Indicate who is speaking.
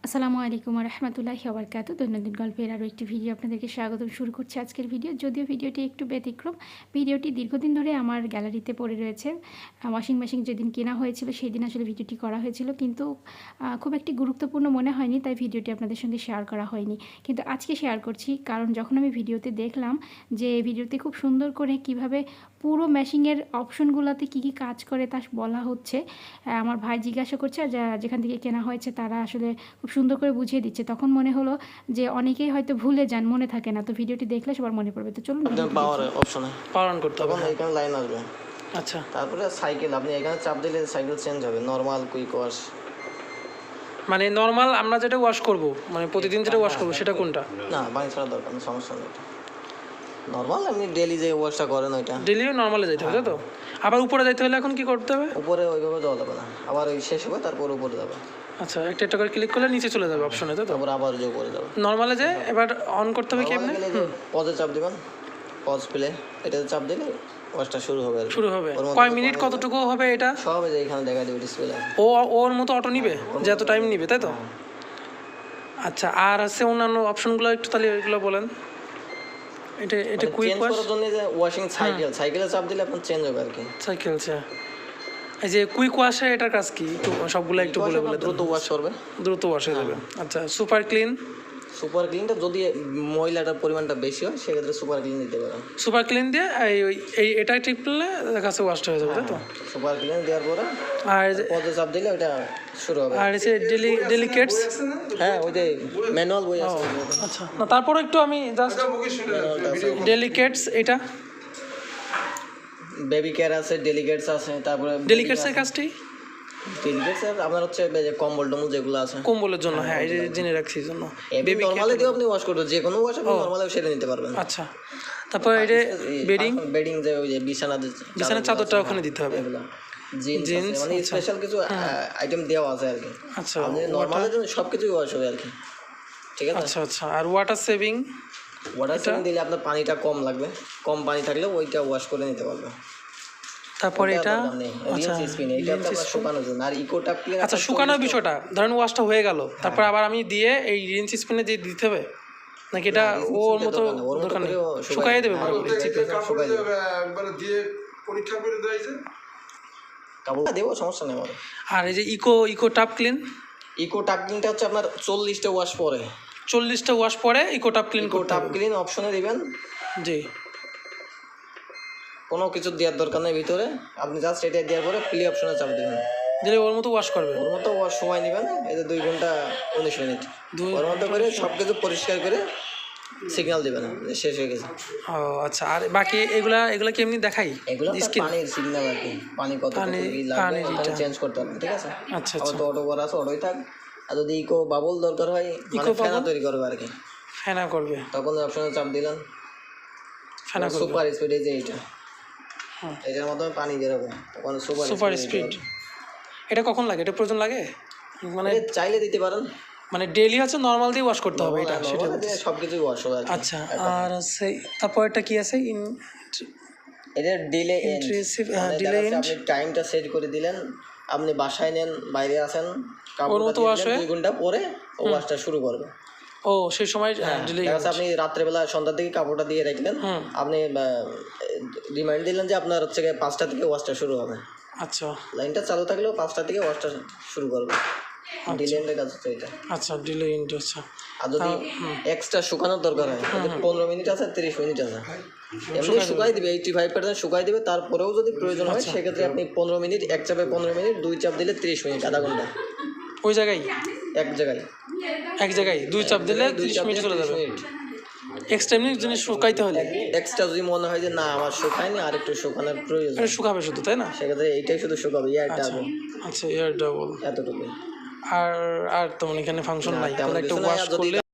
Speaker 1: আসসালামু আলাইকুম রহমতুল্লাহি ওয়া বারাকাতুহু। দৈনন্দিন গল্পের আরও একটি ভিডিও আপনাদেরকে স্বাগতম। শুরু করছি আজকের ভিডিও। যদিও ভিডিওটি একটু ব্যতিক্রম, ভিডিওটি দীর্ঘদিন ধরে আমার গ্যালারিতে পড়ে রয়েছে। ওয়াশিং মেশিন যেদিন কেনা হয়েছিল সেই দিন আসলে ভিডিওটি করা হয়েছিল, কিন্তু খুব একটি গুরুত্বপূর্ণ মনে হয়নি, তাই ভিডিওটি আপনাদের সঙ্গে শেয়ার করা হয়নি। কিন্তু আজকে শেয়ার করছি, কারণ যখন আমি ভিডিওতে দেখলাম যে ভিডিওতে খুব সুন্দর করে কিভাবে পুরো মেশিনের অপশনগুলোতে কী কী কাজ করে তা বলা হচ্ছে, আমার ভাই জিজ্ঞাসা করছে, আর যেখান থেকে কেনা হয়েছে তারা আসলে খুব সুন্দর করে বুঝিয়ে দিচ্ছে। তখন মনে হলো যে অনেকেই হয়তো ভুলে যান, মনে থাকে না, তো ভিডিওটি দেখলে সবার মনে পড়বে। তো চলুন,
Speaker 2: পাওয়ার অপশনে
Speaker 3: পাওয়ার অন করতে হবে।
Speaker 2: তখন এখানে লাইন আসবে।
Speaker 3: আচ্ছা,
Speaker 2: তারপরে সাইকেল আপনি এখানে চাপ দিলে সাইকেল চেঞ্জ হবে, নরমাল, কুইক ওয়াশ।
Speaker 3: মানে নর্মাল আমরা যেটা ওয়াশ করব, মানে প্রতিদিন যেটা ওয়াশ করব সেটা কোনটা?
Speaker 2: না, পানি ছাড়া দরকার নেই, সমস্যা নেই। নরমাল আপনি ডেলি যে ওয়াশটা করেন ওইটা
Speaker 3: ডেলিও নর্মালে যাইতে হবে, তাই তো? আবার উপরে যাইতে হলে এখন কি করতে হবে?
Speaker 2: উপরে ওইভাবে যাওয়া যাবে না, আবার ওই শেষ হবে তারপর উপরে যাবে।
Speaker 3: আচ্ছা, একটা একটা করে ক্লিক করলে নিচে চলে যাবে অপশনে, তাই তো?
Speaker 2: তারপর আবার যে উপরে যাবে।
Speaker 3: নর্মালে যে এবার অন করতে হবে কেমনে?
Speaker 2: পজে চাপ দিবেন, পজ প্লে, এটাতে চাপ দিলে ওয়াশটা শুরু হবে।
Speaker 3: শুরু হবে কয় মিনিট, কতটুকু হবে এটা?
Speaker 2: সব যে এখানে দেখা দেবে ডিসপ্লে।
Speaker 3: ওর মতো অটো নিবে, যে এত টাইম নিবে, তাই তো? আচ্ছা, আর আছে অন্যান্য অপশনগুলো একটু তাহলে এগুলো বলেন। এটা কুইক
Speaker 2: চেঞ্জ করার জন্য যে ওয়াশিং সাইকেলে চাপ দিলে আপনার চেঞ্জ হবে আর কি।
Speaker 3: সাইকেল, এই যে কুইক ওয়াশে এটার কাজ কি একটু সবগুলো একটু বলে
Speaker 2: দ্রুত ওয়াশ করবে,
Speaker 3: দ্রুত ওয়াশ হয়ে যাবে। আচ্ছা, সুপার
Speaker 2: ক্লিনটা যদি ময়লাটার পরিমাণটা বেশি হয় সেক্ষেত্রে সুপার ক্লিন দিতে পারেন।
Speaker 3: সুপার ক্লিন দিয়ে এই এটা টিপলে দেখা যাচ্ছে ওয়াশটা হয়ে যাবে, তাই তো?
Speaker 2: সুপার ক্লিন দেওয়ার পরে
Speaker 3: আর
Speaker 2: পদে চাপ দিলে ওটা শুরু হবে।
Speaker 3: আর এসে ডেলিকেটস,
Speaker 2: হ্যাঁ ওই যে ম্যানুয়াল বই আছে।
Speaker 3: আচ্ছা, না তারপরে একটু আমি জাস্ট ডেলিকেটস, এটা
Speaker 2: বেবি কেয়ার আছে, ডেলিকেটস আছে। তারপরে
Speaker 3: ডেলিকেটসের কাজটি
Speaker 2: ডেলিকেটস আপনার হচ্ছে কম্বল টম্বল যেগুলো আছে
Speaker 3: কম্বলের জন্য, হ্যাঁ এই যে জেনে রাখছি জন্য।
Speaker 2: বেবি নরমালি দিও আপনি ওয়াশ করতে, যে কোনো ওয়াশ আপনি নরমালি সেরে নিতে পারবেন।
Speaker 3: আচ্ছা, তারপর এটা
Speaker 2: বেডিং যে ওই যে বিছানার
Speaker 3: চাদরটা ওখানে দিতে হবে,
Speaker 2: এগুলো জিন্স মানে স্পেশাল কিছু আইটেম দেওয়া আছে আর কি।
Speaker 3: আচ্ছা,
Speaker 2: আপনি নরমালি সবকিছুই ওয়াশ হবে আর কি, ঠিক আছে?
Speaker 3: আচ্ছা আচ্ছা। আর ওয়াটার সেভিং
Speaker 2: দিলে আপনার পানিটা কম লাগবে, কম পানি থাকলে ওইটা ওয়াশ করে নিতে পারবে।
Speaker 3: তারপরে এটা
Speaker 2: শুকানোর জন্য। আর ইকোটাপ ক্লিন,
Speaker 3: আচ্ছা শুকানোর বিষয়টা, ধরেন ওয়াশটা হয়ে গেল, তারপর আবার আমি দিয়ে এই রিন্স স্পিনে দিয়ে দিতে হবে নাকি এটা ওর মতো দরকার নেই? শুকাইয়ে দেবে পুরোপুরি চিপে?
Speaker 4: একবারে দিয়ে পরীক্ষা করে দেয় যে
Speaker 2: কাপড় দেবো, সমস্যা নেই আমার।
Speaker 3: আর এই যে ইকো টাপ
Speaker 2: ক্লিনটা হচ্ছে আপনার 40টা ওয়াশ পরে,
Speaker 3: 40টা ওয়াশ পরে ইকো টাপ ক্লিন করতে হবে।
Speaker 2: ক্লিন অপশনে দিবেন,
Speaker 3: জি,
Speaker 2: কোনো কিছু দেওয়ার দরকার নেই ভিতরে, আপনি জাস্ট এটা দেওয়ার পরে প্লে অপশনে চাপ দেবেন,
Speaker 3: দিলে ওর মতো ওয়াশ করবে।
Speaker 2: ওর মতো ওয়াশ সময় নেবেন, এই যে 2 ঘন্টা 19 মিনিট ওর মতো করে সব কিছু পরিষ্কার করে সিগন্যাল দিবেন শেষ হয়ে গেছে।
Speaker 3: ও আচ্ছা, আর বাকি এগুলা কি এমনি দেখাই?
Speaker 2: এগুলো পানির সিগন্যাল আর কি, পানি কত লাগবে চেঞ্জ করতে হবে, ঠিক আছে?
Speaker 3: আচ্ছা
Speaker 2: আবার তো অটো করা আছে, অটোই থাক। আর যদি ইকো বাবল দরকার হয়, মানে ফেনা তৈরি করবে আর কি,
Speaker 3: ফেনা করবে,
Speaker 2: তখন অপশনে চাপ দিলেন,
Speaker 3: ফেনা করবে।
Speaker 2: সুপার স্পিড, এই যে এটার মাধ্যমে পানি বেরোবে, তখন
Speaker 3: সুপার স্পিড। এটা কখন লাগে? এটা প্রয়োজন লাগে মানে
Speaker 2: চাইলে দিতে পারেন,
Speaker 3: মানে ডেইলি হচ্ছে নরমাল দিয়ে ওয়াশ করতে হবে এটা, সেটা
Speaker 2: সবকিছুই ওয়াশ হবে।
Speaker 3: আচ্ছা, আর আছে তারপর এটা কি আছে?
Speaker 2: এটা ডিলে
Speaker 3: ডিলে
Speaker 2: আপনি টাইমটা সেট করে দিলেন, আপনি বাসায় নেন, বাইরে আছেন,
Speaker 3: ওর মতো ওয়াশ হয়ে
Speaker 2: 2 ঘন্টা পরে ওয়াশটা শুরু করবে।
Speaker 3: ও সেই সময় ডিলে
Speaker 2: আপনি রাত্রেবেলা সন্ধ্যার দিকে কাপড়টা দিয়ে রাখলেন, আপনি রিমাইন্ড দিলেন যে আপনার হচ্ছে 5টা থেকে ওয়াশটা শুরু হবে।
Speaker 3: আচ্ছা,
Speaker 2: লাইনটা চালু থাকলেও 5টা থেকে ওয়াশটা শুরু করবে। ডিলেন্টের কাজ হচ্ছে এটা।
Speaker 3: আচ্ছা, ডিলে ইন্ট। আচ্ছা,
Speaker 2: আর যদি এক্সট্রা শুকানোর দরকার হয়, 15 মিনিট আছে, 30 মিনিট আছে, এমনি শুকাই দিবে, 85% শুকাই দিবে। তারপরেও যদি প্রয়োজন হয় সেক্ষেত্রে আপনি 15 মিনিট, এক চাপে 15 মিনিট, 2 চাপ দিলে 30 মিনিট, আধা ঘন্টা।
Speaker 3: ওই জায়গায়
Speaker 2: এক জায়গায়
Speaker 3: 2 চাপ দিলে 30 মিনিট চলে যাবে। এক্সট্রা এমনি জিনিস শুকাইতে হলে
Speaker 2: এক্সট্রা যদি মনে হয় যে না আমার শুকায়নি, আর একটু শুকানোর প্রয়োজন,
Speaker 3: এটা শুকাবে শুধু, তাই না?
Speaker 2: সেক্ষেত্রে এইটাই শুধু শুকাবে,
Speaker 3: আচ্ছা, এয়ার ডাবল,
Speaker 2: এতটুকু।
Speaker 3: আর তেমন এখানে ফাংশন নাই, তাহলে একটা ওয়াশ করলে